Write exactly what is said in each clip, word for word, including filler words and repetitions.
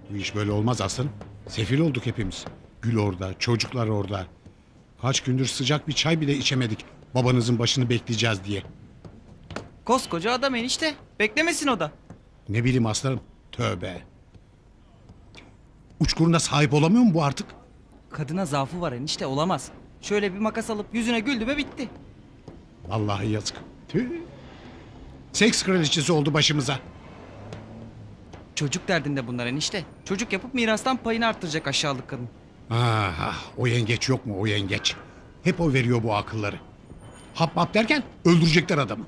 Bu iş böyle olmaz aslanım. Sefil olduk hepimiz. Gül orada, çocuklar orada. Kaç gündür sıcak bir çay bile içemedik. Babanızın başını bekleyeceğiz diye. Koskoca adam enişte. Beklemesin o da. Ne bileyim aslanım. Tövbe. Uçkuruna sahip olamıyor mu bu artık? Kadına zaafı var enişte, olamaz. Şöyle bir makas alıp yüzüne güldü ve bitti. Vallahi yazık. Tüh. Seks kraliçesi oldu başımıza. Çocuk derdinde bunlar enişte. Çocuk yapıp mirastan payını arttıracak aşağılık kadın. Ah, ah, o yengeç yok mu o yengeç? Hep o veriyor bu akılları. Hap hap derken öldürecekler adamı.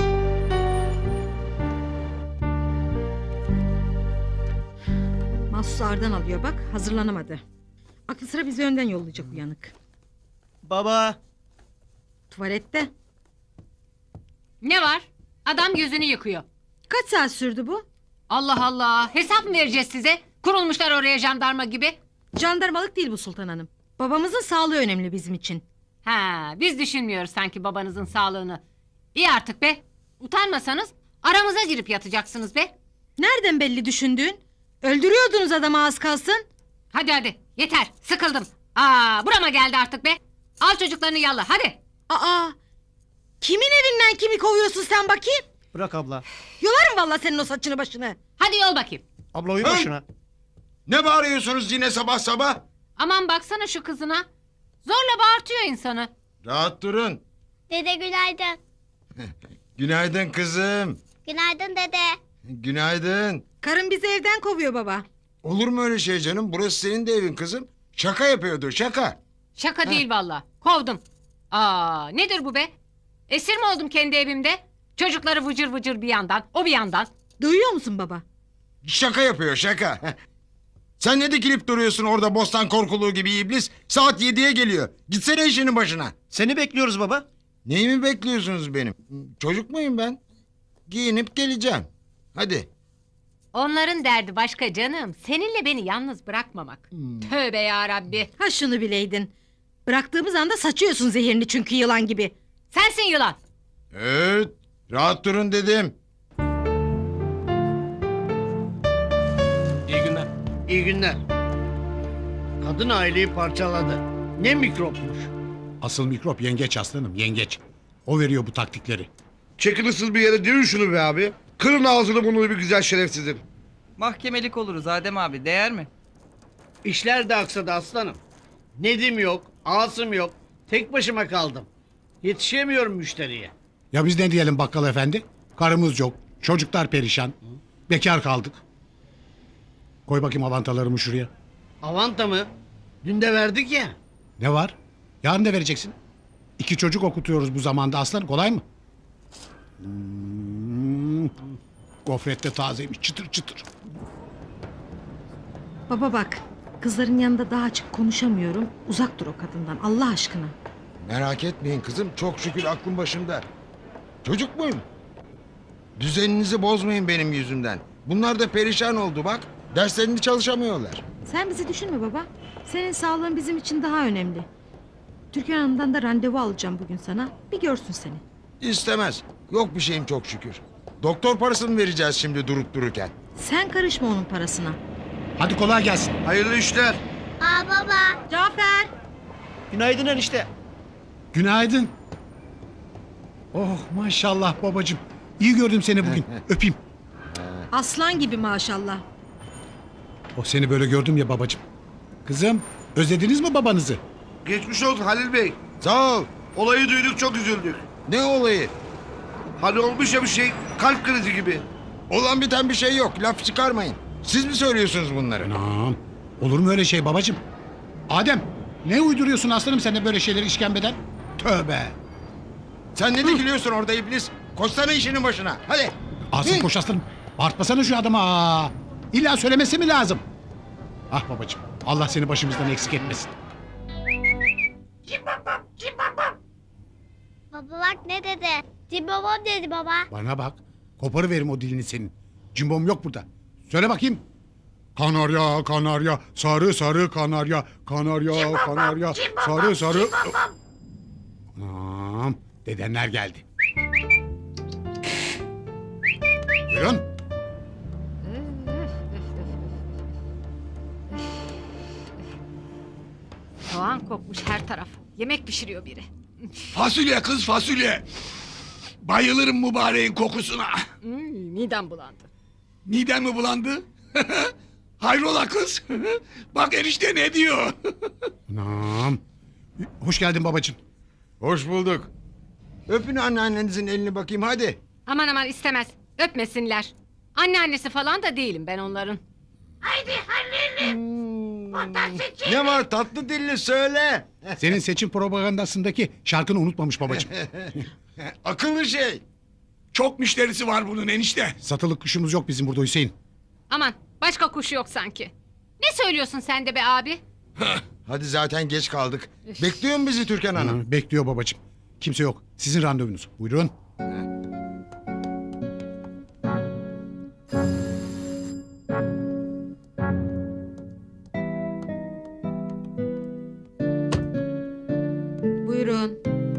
Mahsus ağırdan alıyor bak, hazırlanamadı. Aklı sıra bizi önden yollayacak uyanık. Baba. Tuvalette. Ne var? Adam gözünü yıkıyor. Kaç saat sürdü bu? Allah Allah. Hesap mı vereceğiz size? Kurulmuşlar oraya jandarma gibi. Jandarmalık değil bu Sultan Hanım. Babamızın sağlığı önemli bizim için. Ha, biz düşünmüyoruz sanki babanızın sağlığını. İyi artık be. Utanmasanız aramıza girip yatacaksınız be. Nereden belli düşündüğün? Öldürüyordunuz adamı az kalsın. Hadi hadi yeter sıkıldım. Aa, burama geldi artık be. Al çocuklarını yalla hadi. Aa, kimin evinden kimi kovuyorsun sen bakayım? Bırak abla. Yolarım vallahi senin o saçını başını. Hadi yol bakayım. Abla uyu Hı? başına. Ne bağırıyorsunuz yine sabah sabah? Aman baksana şu kızına. Zorla bağırtıyor insanı. Rahat durun. Dede günaydın. Günaydın kızım. Günaydın dede. Günaydın. Karın bizi evden kovuyor baba. Olur mu öyle şey canım? Burası senin de evin kızım. Şaka yapıyordu şaka. Şaka değil valla. Kovdum. Aa, nedir bu be? Esir mi oldum kendi evimde? Çocukları vıcır vıcır bir yandan, o bir yandan. Duyuyor musun baba? Şaka yapıyor şaka. Sen ne dikilip duruyorsun orada bostan korkuluğu gibi iblis? Saat yediye geliyor. Gitsene işinin başına. Seni bekliyoruz baba. Neyi mi bekliyorsunuz benim? Çocuk muyum ben? Giyinip geleceğim. Hadi. Onların derdi başka canım. Seninle beni yalnız bırakmamak. Tövbe ya Rabbi. Ha şunu bileydin. Bıraktığımız anda saçıyorsun zehirini çünkü yılan gibi. Sensin yılan. Evet. Rahat durun dedim. İyi günler. İyi günler. Kadın aileyi parçaladı. Ne mikropmuş. Asıl mikrop yengeç aslanım, yengeç. O veriyor bu taktikleri. Çekin ıssız bir yere dirin şunu be abi. Kırın ağzını bunu bir güzel şerefsizim. Mahkemelik oluruz Adem abi, değer mi? İşler de aksadı aslanım. Nedim yok, Asım yok. Tek başıma kaldım. Yetişemiyorum müşteriye. Ya biz ne diyelim bakkal efendi? Karımız yok, çocuklar perişan. Bekar kaldık. Koy bakayım avantalarımı şuraya. Avanta mı? Dün de verdik ya. Ne var? Yarın da vereceksin. İki çocuk okutuyoruz bu zamanda aslan, kolay mı? Hmm. Gofret de tazeymiş, çıtır çıtır. Baba bak, kızların yanında daha açık konuşamıyorum. Uzak dur o kadından Allah aşkına. Merak etmeyin kızım. Çok şükür aklım başımda. Çocuk muyum? Düzeninizi bozmayın benim yüzümden. Bunlar da perişan oldu bak. Derslerini çalışamıyorlar. Sen bizi düşünme baba. Senin sağlığın bizim için daha önemli. Türkan Hanım'dan da randevu alacağım bugün sana. Bir görsün seni. İstemez. Yok bir şeyim çok şükür. Doktor parasını vereceğiz şimdi durup dururken. Sen karışma onun parasına. Hadi kolay gelsin. Hayırlı işler. Aa baba. Cafer. Günaydın enişte. Günaydın. Oh maşallah babacığım. İyi gördüm seni bugün. Öpeyim. Aslan gibi maşallah. Oh seni böyle gördüm ya babacığım. Kızım özlediniz mi babanızı? Geçmiş olsun Halil Bey. Sağ ol. Olayı duyduk çok üzüldük. Ne olayı? Hani olmuş ya bir şey kalp krizi gibi. Olan biten bir şey yok. Laf çıkarmayın. Siz mi söylüyorsunuz bunları? Anam. Olur mu öyle şey babacığım? Adem ne uyduruyorsun aslanım sen de böyle şeyleri işkembeden? Tövbe. Sen ne dikiliyorsun orada iblis? Koşsana işinin başına. Hadi. Asım Hı. koş aslanım. Bağırtmasana şu adama. Aa. İlla söylemesi mi lazım? Ah babacığım Allah seni başımızdan eksik etmesin. Baba bak ne dedi? Cimbomom dedi baba. Bana bak. Koparıverim o dilini senin. Cimbom yok burada. Söyle bakayım. Kanarya, kanarya, sarı sarı kanarya, kanarya, kanarya, sarı sarı. Anam, dedenler geldi. Buyurun. Soğan kokmuş her taraf. Yemek pişiriyor biri. Fasulye kız fasulye. Bayılırım mübareğin kokusuna. Hmm, midem bulandı. Midem mi bulandı? Hayrola kız? Bak enişte ne diyor? Anam. Hoş geldin babacığım. Hoş bulduk. Öpün anneannenizin elini bakayım hadi. Aman aman istemez. Öpmesinler. Anneannesi falan da değilim ben onların. Ne var tatlı dilli söyle. Senin seçim propagandasındaki şarkını unutmamış babacığım. Akıllı şey. Çok müşterisi var bunun enişte. Satılık kuşumuz yok bizim burada Hüseyin. Aman başka kuşu yok sanki. Ne söylüyorsun sen de be abi? Hadi zaten geç kaldık. Bekliyor mu bizi Türkan Hanım? Ha, bekliyor babacığım. Kimse yok. Sizin randevunuz. Buyurun. Buyurun.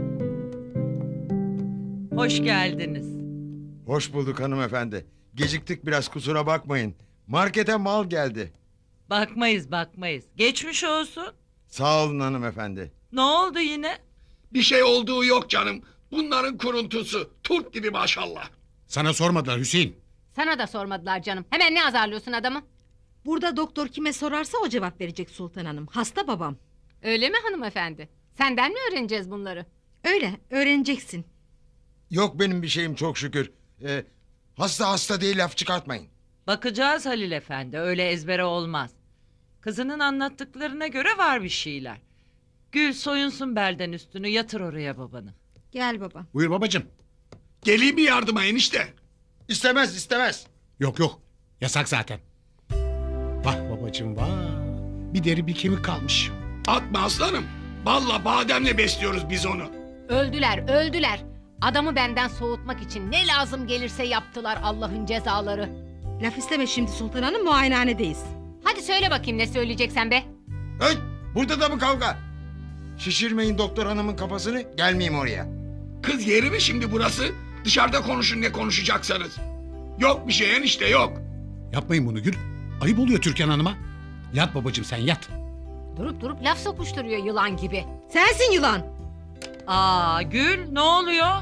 Hoş geldiniz. Hoş bulduk hanımefendi. Geciktik biraz kusura bakmayın. Markete mal geldi. Bakmayız bakmayız. Geçmiş olsun. Sağ olun hanımefendi. Ne oldu yine? Bir şey olduğu yok canım. Bunların kuruntusu. Turp gibi maşallah. Sana sormadılar Hüseyin. Sana da sormadılar canım. Hemen ne azarlıyorsun adamı? Burada doktor kime sorarsa o cevap verecek Sultan Hanım. Hasta babam. Öyle mi hanımefendi? Senden mi öğreneceğiz bunları? Öyle öğreneceksin. Yok benim bir şeyim çok şükür. Ee, hasta hasta değil laf çıkartmayın. Bakacağız Halil Efendi. Öyle ezbere olmaz. Kızının anlattıklarına göre var bir şeyler. Gül soyunsun belden üstünü yatır oraya babanı. Gel baba. Buyur babacığım. Geleyim mi yardıma enişte? İstemez istemez. Yok yok. Yasak zaten. Vah babacığım vah. Bir deri bir kemik kalmış. Atma aslanım. Balla bademle besliyoruz biz onu. Öldüler, öldüler. Adamı benden soğutmak için ne lazım gelirse yaptılar Allah'ın cezaları. Laf isteme şimdi Sultan Hanım, muayenehanedeyiz. Hadi söyle bakayım ne söyleyeceksen be. Hey, burada da mı kavga? Şişirmeyin doktor hanımın kafasını gelmeyeyim oraya. Kız yeri mi şimdi burası? Dışarıda konuşun ne konuşacaksanız. Yok bir şey enişte yok. Yapmayın bunu Gül. Ayıp oluyor Türkan Hanım'a. Yat babacığım sen yat. Durup durup laf sokuşturuyor yılan gibi. Sensin yılan. Aa Gül ne oluyor?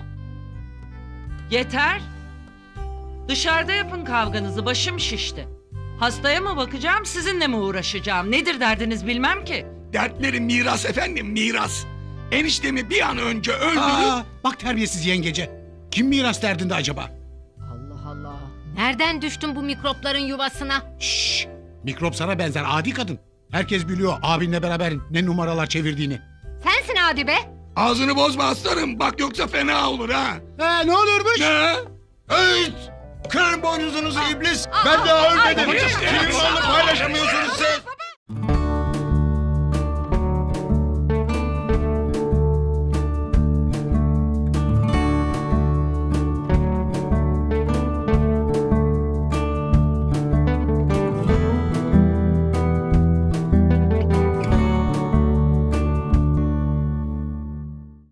Yeter. Dışarıda yapın kavganızı başım şişti. Hastaya mı bakacağım sizinle mi uğraşacağım? Nedir derdiniz bilmem ki. Dertleri miras efendim miras. Eniştemi bir an önce öldürüp... Aa, bak terbiyesiz yengece. Kim miras derdinde acaba? Allah Allah. Nereden düştün bu mikropların yuvasına? Şşş. Mikrop sana benzer adi kadın. Herkes biliyor abinle beraber ne numaralar çevirdiğini. Sensin hadi be. Ağzını bozma aslanım. Bak yoksa fena olur ha. Ee, ne olurmuş? Ne? Hey! Kırın boynuzunuzu iblis. Ben daha ölmedim. babacığım. Kim malı paylaşamıyorsunuz siz?